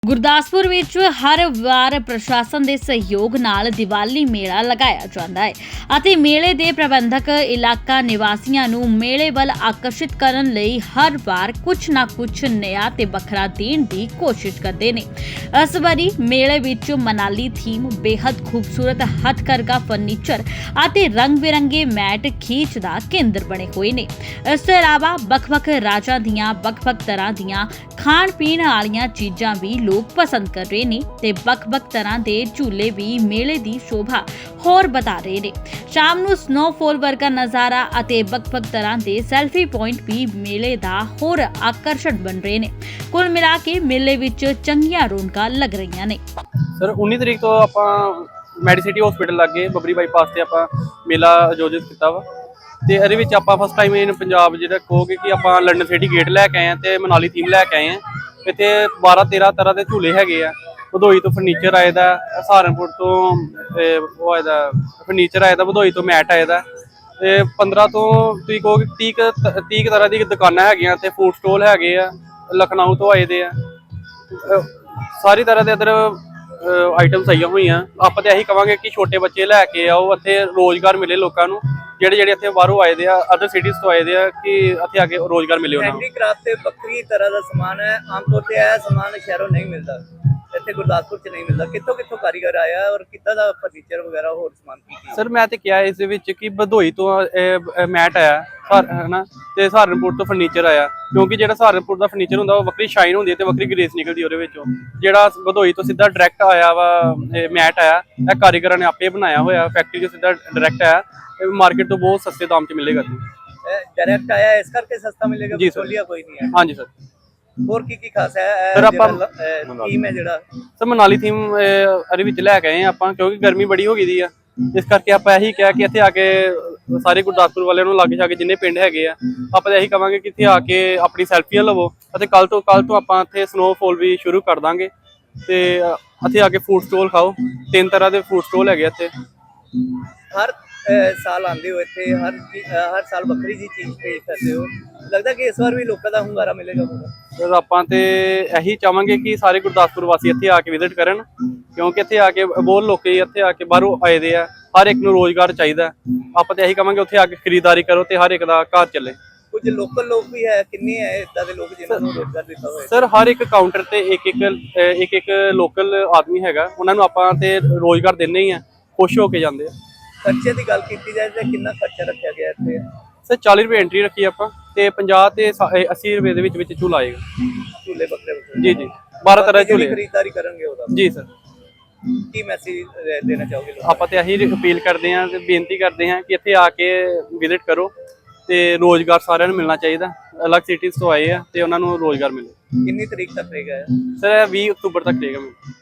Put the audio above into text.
ਗੁਰਦਾਸਪੁਰ ਵਿੱਚ ਹਰ ਵਾਰ ਪ੍ਰਸ਼ਾਸਨ ਦੇ ਸਹਿਯੋਗ ਨਾਲ ਦੀਵਾਲੀ ਮੇਲਾ ਲਗਾਇਆ ਜਾਂਦਾ ਹੈ ਅਤੇ ਮੇਲੇ ਦੇ ਪ੍ਰਬੰਧਕ ਇਲਾਕਾ ਨਿਵਾਸੀਆਂ ਨੂੰ ਮੇਲੇ ਵੱਲ ਆਕਰਸ਼ਿਤ ਕਰਨ ਲਈ ਹਰ ਵਾਰ ਕੁਝ ਨਾ ਕੁਝ ਨया ਤੇ ਵੱਖਰਾ ਦੇਣ ਦੀ ਕੋਸ਼ਿਸ਼ ਕਰਦੇ ਨੇ। ਇਸ ਵਾਰੀ ਮੇਲੇ ਵਿੱਚ ਮਨਾਲੀ ਥੀਮ, ਬੇहद ਖੂਬਸੂਰਤ ਹੱਥਕਰਘਾ ਫਰਨੀਚਰ ਅਤੇ ਰੰਗ-ਬਿਰੰਗੇ ਮੈਟ ਖੀਚ ਦਾ ਕੇਂਦਰ ਬਣੇ ਹੋਏ ਨੇ। ਇਸ ਤੋਂ ਇਲਾਵਾ ਵੱਖ-ਵੱਖ ਰਾਜਾਂ ਦੀਆਂ ਵੱਖ-ਵੱਖ ਤਰ੍ਹਾਂ ਦੀਆਂ ਖਾਣ-ਪੀਣ ਵਾਲੀਆਂ ਚੀਜ਼ਾਂ ਵੀ ਲੋਕ ਪਸੰਦ ਕਰ ਰਹੇ ਨੇ ਤੇ ਵੱਖ-ਵੱਖ ਤਰ੍ਹਾਂ ਦੇ ਝੂਲੇ ਵੀ ਮੇਲੇ ਦੀ ਸ਼ੋਭਾ ਹੋਰ ਵਧਾ ਰਹੇ ਨੇ। ਸ਼ਾਮ ਨੂੰ ਸਨੋਫਾਲ ਵਰਗਾ ਨਜ਼ਾਰਾ ਅਤੇ ਵੱਖ-ਵੱਖ ਤਰ੍ਹਾਂ ਦੇ ਸੈਲਫੀ ਪੁਆਇੰਟ ਵੀ ਮੇਲੇ ਦਾ ਹੋਰ ਆਕਰਸ਼ਣ ਬਣ ਰਹੇ ਨੇ। ਕੁੱਲ ਮਿਲਾ ਕੇ ਮੇਲੇ ਵਿੱਚ ਚੰਗੀਆਂ ਰੌਣਕਾਂ ਲੱਗ ਰਹੀਆਂ ਨੇ। ਸਰ 19 ਤਰੀਕ ਤੋਂ ਆਪਾਂ ਮੈਡੀਸਿਟੀ ਹਸਪੀਟਲ ਲੱਗੇ ਬਬਰੀ ਬਾਈਪਾਸ ਤੇ ਆਪਾਂ ਮੇਲਾ ਆਯੋਜਿਤ ਕੀਤਾ ਵਾ ਤੇ ਇਹਦੇ ਵਿੱਚ ਆਪਾਂ ਫਸਟ ਟਾਈਮ ਇਨ ਪੰਜਾਬ ਜਿਹੜਾ ਕਹੋਗੇ ਕਿ ਆਪਾਂ ਲੰਡਨ ਸਿਟੀ ਗੇਟ ਲੈ ਕੇ ਆਏ ਆ ਤੇ ਮਨਾਲੀ ਥੀਮ ਲੈ ਕੇ ਆਏ ਆ। ਇੱਥੇ 12-13 ਤਰ੍ਹਾਂ ਦੇ ਝੂਲੇ ਹੈਗੇ ਆ। ਭਦੋਈ ਤੋਂ ਫਰਨੀਚਰ ਆਏ ਦਾ, ਸਹਾਰਨਪੁਰ ਤੋਂ ਉਹ ਆਏ ਦਾ ਫਰਨੀਚਰ ਆਏ ਦਾ, ਭਦੋਈ ਤੋਂ ਮੈਟ ਆਏ ਦਾ ਤੇ 15 ਤੋਂ ਤੁਸੀਂ ਕਹੋਗੇ 30 ਤਰ੍ਹਾਂ ਦੀ ਦੁਕਾਨਾਂ ਹੈਗੀਆਂ ਤੇ ਫੂਡ ਸਟੋਲ ਹੈਗੇ ਆ। ਲਖਨਊ ਤੋਂ ਆਏ ਦੇ ਆ, ਸਾਰੀ ਤਰ੍ਹਾਂ ਦੇ ਇੱਧਰ ਆਈਟਮਸ ਆਈਆਂ ਹੋਈਆਂ। ਆਪਾਂ ਤਾਂ ਇਹੀ ਕਵਾਂਗੇ ਕਿ ਛੋਟੇ ਬੱਚੇ ਲੈ ਕੇ ਆਓ, ਇੱਥੇ ਰੋਜ਼ਗਾਰ ਮਿਲੇ ਲੋਕਾਂ ਨੂੰ ਜਿਹੜੇ ਇੱਥੇ ਬਾਹਰੋਂ ਆਏ ਦੇ ਆ, ਅਦਰ ਸਿਟੀਜ਼ ਤੋਂ ਆਏ ਦੇ ਆ, ਕਿ ਇੱਥੇ ਆ ਕੇ ਰੋਜ਼ਗਾਰ ਮਿਲੇ ਉਹਨਾਂ ਨੂੰ। ਹੈਂਡੀਕ੍ਰਾਫਟ ਤੇ ਵੱਖਰੀ ਤਰ੍ਹਾਂ ਦਾ ਸਮਾਨ ਹੈ। ਆਮ ਤੌਰ ਤੇ ਇਹ ਸਮਾਨ ਸ਼ਹਿਰੋਂ ਨਹੀਂ ਮਿਲਦਾ, ਇੱਥੇ ਗੁਰਦਾਸਪੁਰ ਚ ਨਹੀਂ ਮਿਲਦਾ। ਕਿੱਥੋਂ ਕਾਰੀਗਰ ਆਇਆ ਔਰ ਕਿੱਦਾਂ ਦਾ ਫਰਨੀਚਰ ਵਗੈਰਾ ਹੋਰ ਸਮਾਨ ਕੀ ਸਰ ਮੈਂ ਤੇ ਕਿਹਾ ਇਸ ਦੇ ਵਿੱਚ ਕਿ ਭਦੋਈ ਤੋਂ ਮੈਟ ਆਇਆ ਹਨਾ ਤੇ ਸਹਾਰਨਪੁਰ ਤੋਂ ਫਰਨੀਚਰ ਆਇਆ, ਕਿਉਂਕਿ ਜਿਹੜਾ ਸਹਾਰਨਪੁਰ ਦਾ ਫਰਨੀਚਰ ਹੁੰਦਾ ਉਹ ਵੱਖਰੀ ਸ਼ਾਈਨ ਹੁੰਦੀ ਹੈ ਤੇ ਵੱਖਰੀ ਗ੍ਰੇਸ ਨਿਕਲਦੀ ਉਹਦੇ ਵਿੱਚੋਂ। ਜਿਹੜਾ ਭਦੋਈ ਤੋਂ ਸਿੱਧਾ ਡਾਇਰੈਕਟ ਆਇਆ ਵਾ ਮੈਟ ਆਇਆ, ਇਹ ਕਾਰੀਗਰਾਂ ਨੇ ਆਪੇ ਬਣਾਇਆ ਹੋਇਆ, ਫੈਕਟਰੀ ਤੋਂ ਸਿੱਧਾ ਡਾਇਰੈਕਟ ਆਇਆ। ਮਾਰਕੀਟ ਤੋਂ ਬਹੁਤ ਸਸਤੇ ਦਾਮ 'ਚ ਮਿਲੇਗਾ ਜੀ। ਡਾਇਰੈਕਟ ਆਇਆ ਇਸ ਕਰਕੇ ਸਸਤਾ ਮਿਲੇਗਾ, ਜੀ ਸਰ। ਕੋਈ ਨਹੀਂ ਹੈ। ਹਾਂਜੀ ਸਰ। ਹੋਰ ਕੀ ਖਾਸ ਹੈ ਸਰ ਆਪਾਂ ਥੀਮ ਹੈ ਜਿਹੜਾ ਸਰ ਮਨਾਲੀ ਥੀਮ ਇਹਦੇ ਵਿੱਚ ਲੈ ਕੇ ਆਏ ਆਪਾਂ, ਕਿਉਂਕਿ ਗਰਮੀ ਬੜੀ ਹੋ ਗਈ ਦੀ ਆ। ਇਸ ਕਰਕੇ ਆਪਾਂ ਇਹੀ ਕਿਹਾ ਕਿ ਇੱਥੇ ਆ ਕੇ ਸਾਰੇ ਗੁਰਦਾਸਪੁਰ ਵਾਲਿਆਂ ਨੂੰ ਲਾਗੇ ਛਾਗੇ ਜਿੰਨੇ ਪਿੰਡ ਹੈਗੇ ਆ, ਆਪਾਂ ਤਾਂ ਇਹੀ ਕਵਾਂਗੇ ਕਿ ਇੱਥੇ ਆ ਕੇ ਆਪਣੀ ਸੈਲਫੀਆਂ ਲਵੋ ਅਤੇ ਕੱਲ ਤੋਂ ਆਪਾਂ ਇੱਥੇ ਸਨੋਫਾਲ ਵੀ ਸ਼ੁਰੂ ਕਰ ਦਾਂਗੇ ਤੇ ਇੱਥੇ ਆ ਕੇ ਫੂਡ ਸਟੋਲ ਖਾਓ। 3 ਤਰ੍ਹਾਂ ਦੇ ਫੂਡ ਸਟੋਲ ਹੈਗੇ ਇੱਥੇ। ਹਰ ਸਾਲ ਆਉਂਦੇ ਹੋ ਇੱਥੇ, ਹਰ ਸਾਲ ਵੱਖਰੀ ਜੀ ਚੀਜ਼ ਪੇਸ਼ ਕਰਦੇ ਹੋ। ਲੱਗਦਾ ਕਿ ਇਸ ਵਾਰ ਵੀ ਲੋਕਾਂ ਦਾ ਹੁੰਗਾਰਾ ਮਿਲੇਗਾ। ਸਰ ਆਪਾਂ ਤੇ ਇਹੀ ਚਾਹਾਂਗੇ ਕਿ ਸਾਰੇ ਗੁਰਦਾਸਪੁਰ ਵਾਸੀ ਇੱਥੇ ਆ ਕੇ ਵਿਜ਼ਿਟ ਕਰਨ, ਕਿਉਂਕਿ ਇੱਥੇ ਆ ਕੇ ਬਹੁਤ ਲੋਕੀ ਇੱਥੇ ਆ ਕੇ ਬਾਹਰੋਂ ਆਏ ਦੇ ਆ। ਹਰ ਇੱਕ ਨੂੰ ਰੋਜ਼ਗਾਰ ਚਾਹੀਦਾ। ਆਪਾਂ ਤੇ ਇਹੀ ਕਹਾਂਗੇ ਉੱਥੇ ਆ ਕੇ ਖਰੀਦਦਾਰੀ ਕਰੋ ਤੇ ਹਰ ਇੱਕ ਦਾ ਘਰ ਚੱਲੇ। ਕੁਝ ਲੋਕਲ ਲੋਕ ਵੀ ਹੈ, ਕਿੰਨੇ ਹੈ ਇਦਾਂ ਦੇ ਲੋਕ ਜਿਨ੍ਹਾਂ ਨੂੰ ਰੋਜ਼ਗਾਰ ਦਿੱਤਾ ਹੋਇਆ? ਸਰ ਹਰ ਇੱਕ ਕਾਊਂਟਰ ਤੇ ਇੱਕ ਲੋਕਲ ਆਦਮੀ ਹੈਗਾ, ਉਹਨਾਂ ਨੂੰ ਆਪਾਂ ਤੇ ਰੋਜ਼ਗਾਰ ਦਿੰਦੇ ਹੀ ਆ, ਖੁਸ਼ ਹੋ ਕੇ ਜਾਂਦੇ ਆ। ਖਰਚੇ ਦੀ ਗੱਲ ਕੀਤੀ ਜਾਏ ਤਾਂ ਕਿੰਨਾ ਖਰਚਾ ਰੱਖਿਆ ਗਿਆ ਇੱਥੇ? ਸਰ 40 ਰੁਪਏ ਐਂਟਰੀ ਰੱਖੀ ਆਪਾਂ ਤੇ 50 ਤੇ 80 ਰੁਪਏ ਦੇ ਵਿੱਚ ਝੂਲਾ ਆਏਗਾ। ਝੂਲੇ ਬੱਕਰੇ ਜੀ 12 ਤਰ੍ਹਾਂ ਦੇ ਝੂਲੇ ਖਰੀਦਦਾਰੀ ਕਰਨਗੇ ਉਹਦਾ। ਜੀ ਸਰ। ਕੀ ਮੈਸੇਜ ਦੇਣਾ ਚਾਹੋਗੇ? ਆਪਾਂ ਤੇ ਇਹੀ ਅਪੀਲ ਕਰਦੇ ਹਾਂ ਤੇ ਬੇਨਤੀ ਕਰਦੇ ਹਾਂ ਕਿ ਇੱਥੇ ਆ ਕੇ ਵਿਜ਼ਿਟ ਕਰੋ ਤੇ ਰੋਜ਼ਗਾਰ ਸਾਰਿਆਂ ਨੂੰ ਮਿਲਣਾ ਚਾਹੀਦਾ। ਅਲੱਗ ਸਿਟੀਜ਼ ਤੋਂ ਆਏ ਆ ਤੇ ਉਹਨਾਂ ਨੂੰ ਰੋਜ਼ਗਾਰ ਮਿਲੇ। ਕਿੰਨੀ ਤਰੀਕ ਤੱਕ ਰਹੇਗਾ ਸਰ? 20 ਅਕਤੂਬਰ ਤੱਕ ਰਹੇਗਾ।